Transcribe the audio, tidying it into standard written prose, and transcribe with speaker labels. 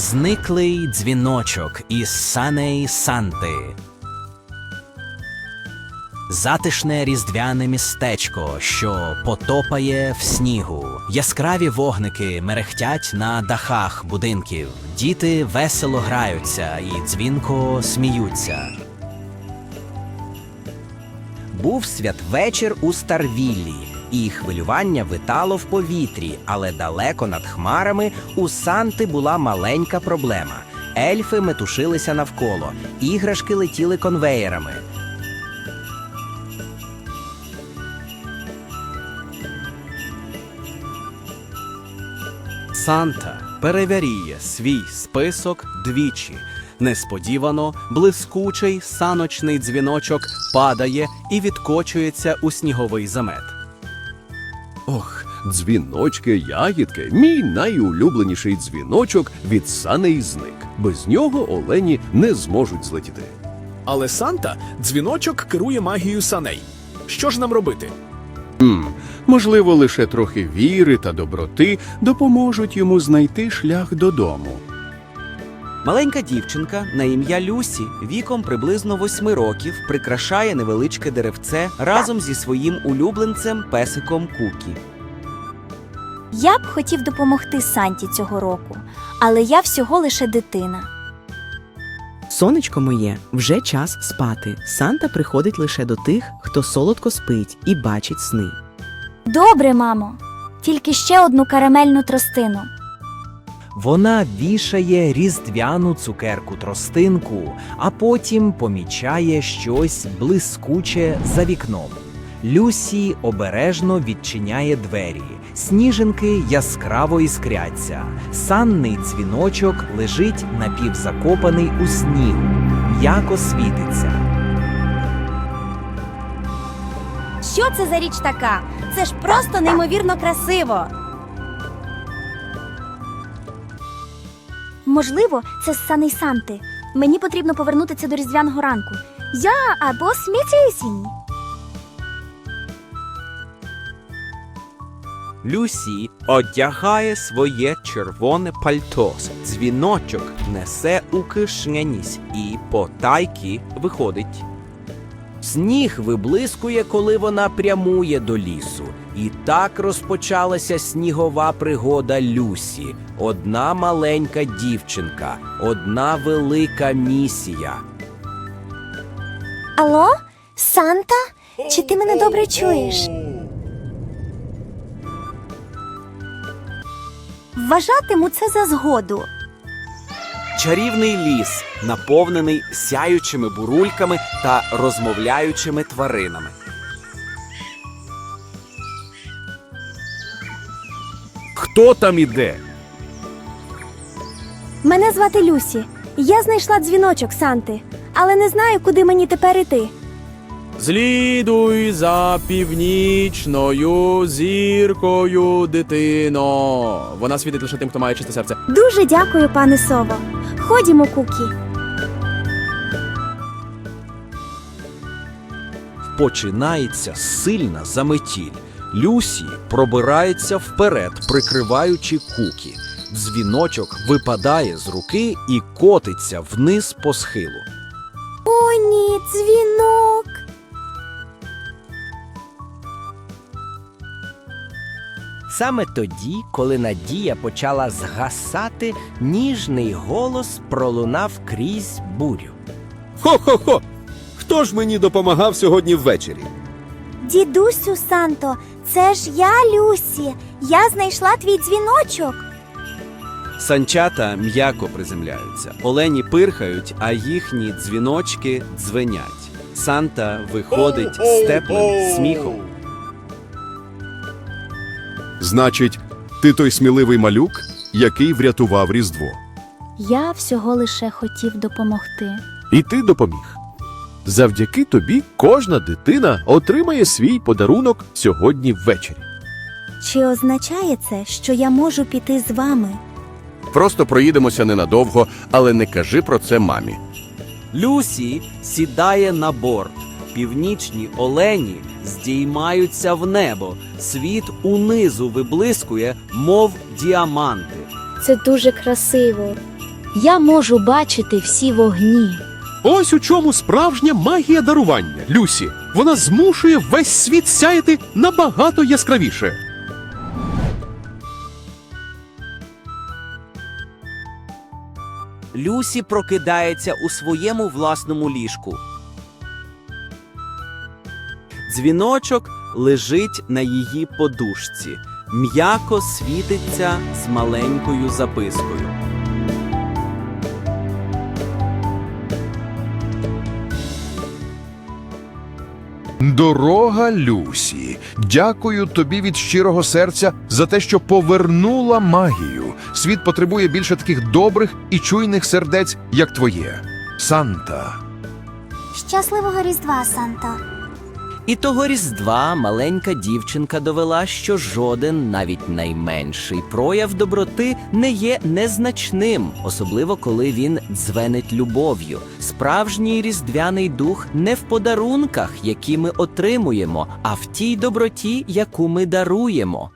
Speaker 1: Зниклий дзвіночок із саней Санти. Затишне різдвяне містечко, що потопає в снігу. Яскраві вогники мерехтять на дахах будинків. Діти весело граються і дзвінко сміються. Був святвечір у Старвіллі, і хвилювання витало в повітрі, але далеко над хмарами у Санти була маленька проблема. Ельфи метушилися навколо, іграшки летіли конвеєрами.
Speaker 2: Санта перевіряє свій список двічі. Несподівано блискучий саночний дзвіночок падає і відкочується у сніговий замет.
Speaker 3: Ох, дзвіночки, ягідки, мій найулюбленіший дзвіночок від саней зник. Без нього олені не зможуть злетіти.
Speaker 4: Але Санта дзвіночок керує магією саней. Що ж нам робити?
Speaker 3: Можливо, лише трохи віри та доброти допоможуть йому знайти шлях додому.
Speaker 5: Маленька дівчинка на ім'я Люсі віком приблизно 8 років прикрашає невеличке деревце разом зі своїм улюбленцем песиком Кукі.
Speaker 6: Я б хотів допомогти Санті цього року, але я всього лише дитина.
Speaker 7: Сонечко моє, вже час спати. Санта приходить лише до тих, хто солодко спить і бачить сни.
Speaker 6: Добре, мамо. Тільки ще одну карамельну тростину.
Speaker 1: Вона вішає різдвяну цукерку-тростинку, а потім помічає щось блискуче за вікном. Люсі обережно відчиняє двері. Сніжинки яскраво іскряться. Санний дзвіночок лежить напівзакопаний у снігу. М'яко світиться.
Speaker 6: Що це за річ така? Це ж просто неймовірно красиво. Можливо, це з саней Санти. Мені потрібно повернутися до різдвяного ранку. Я або сміттєсінь.
Speaker 5: Люсі одягає своє червоне пальто. Дзвіночок несе у кишенys і потайки виходить. Сніг виблискує, коли вона прямує до лісу. І так розпочалася снігова пригода Люсі. Одна маленька дівчинка, одна велика місія.
Speaker 6: Алло? Санта? Чи ти мене добре чуєш? Вважатиму це за згоду.
Speaker 5: Чарівний ліс, наповнений сяючими бурульками та розмовляючими тваринами.
Speaker 3: Хто там іде?
Speaker 6: Мене звати Люсі. Я знайшла дзвіночок Санти, але не знаю, куди мені тепер іти.
Speaker 2: Слідуй за північною зіркою, дитино. Вона світить лише тим, хто має чисте серце.
Speaker 6: Дуже дякую, пане Сово. Ходімо, Кукі.
Speaker 1: Починається сильна заметіль. Люсі пробирається вперед, прикриваючи Кукі. Дзвіночок випадає з руки і котиться вниз по схилу.
Speaker 6: О, ні, дзвінок.
Speaker 5: Саме тоді, коли надія почала згасати, ніжний голос пролунав крізь бурю.
Speaker 3: Хо-хо-хо! Хто ж мені допомагав сьогодні ввечері?
Speaker 6: Дідусю Санто, це ж я, Люсі. Я знайшла твій дзвіночок.
Speaker 2: Санчата м'яко приземляються. Олені пирхають, а їхні дзвіночки дзвенять. Санта виходить з теплим сміхом.
Speaker 3: Значить, ти той сміливий малюк, який врятував Різдво.
Speaker 6: Я всього лише хотів допомогти.
Speaker 3: І ти допоміг. Завдяки тобі кожна дитина отримає свій подарунок сьогодні ввечері.
Speaker 6: Чи означає це, що я можу піти з вами?
Speaker 3: Просто проїдемося ненадовго, але не кажи про це мамі.
Speaker 5: Люсі сідає на борт. Північні олені здіймаються в небо. Світ унизу виблискує, мов діаманти.
Speaker 6: Це дуже красиво.
Speaker 8: Я можу бачити всі вогні.
Speaker 3: Ось у чому справжня магія дарування, Люсі. Вона змушує весь світ сяяти набагато яскравіше.
Speaker 5: Люсі прокидається у своєму власному ліжку. Дзвіночок лежить на її подушці, м'яко світиться з маленькою запискою.
Speaker 9: Дорога Люсі, дякую тобі від щирого серця за те, що повернула магію. Світ потребує більше таких добрих і чуйних сердець, як твоє. Санта.
Speaker 6: Щасливого Різдва, Санто.
Speaker 1: І того Різдва маленька дівчинка довела, що жоден, навіть найменший прояв доброти не є незначним, особливо коли він дзвенить любов'ю. Справжній різдвяний дух не в подарунках, які ми отримуємо, а в тій доброті, яку ми даруємо.